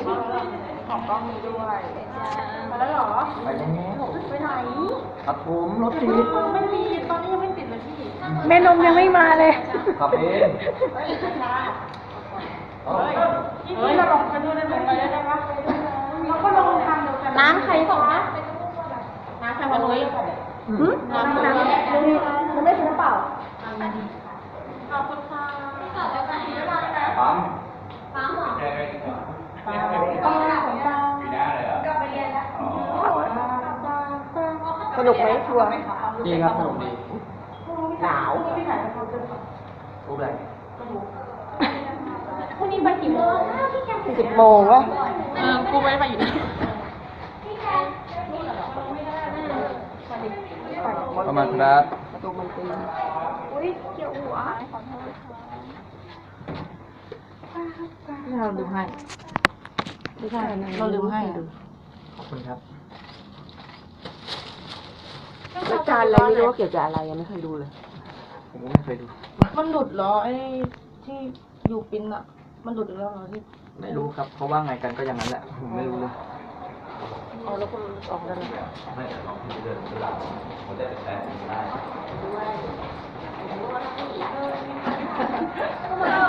ออกกล้องนี้ด้วยไปแล้วเหรอไปแล้วไปไหนครับผมรถติดไม่มีตอนนี้ยังไม่ติดเลยพี่แม่นมยังไม่มาเลยขับเองเฮ้ยเราลองกันดูได้ไหมไปได้ปะเราก็ลองทำเดียวกันน้ำใครส่งนะน้ำใครวันนี้น้ำมันไม่ใช่น้ำเปล่าขอบคุณค่ะปั๊มหรอปั๊มของเจ้าก็ไปเรียนแล้วสนุกไหมทัวร์ดีครับสนุกดีหนาวรู้อะไรพรุ่งนี้ไปกี่โมง10 โมงวะกูไม่ได้ไปอยู่นะประมาณครับประตูมันตีอุ้ยเกี่ยวหัวขอโทษค่ะเราดูให้ไม่ใช่เราดูให้ขอบคุณครับรายการอะไรไม่รู้ว่าเกี่ยวกับอะไรยังไม่เคยดูเลยผมไม่เคยดูมันหลุดเหรอไอ้ที่อยู่ปิ้นอะมันหลุดแล้วเหรอที่ไม่รู้ครับเพราะว่าไงกันก็อย่างนั้นแหละผมไม่รู้เลยอ๋อแล้วก็ออกแล้วนะไม่ออกที่เดินเวลาผมได้แต่ได้ด้วย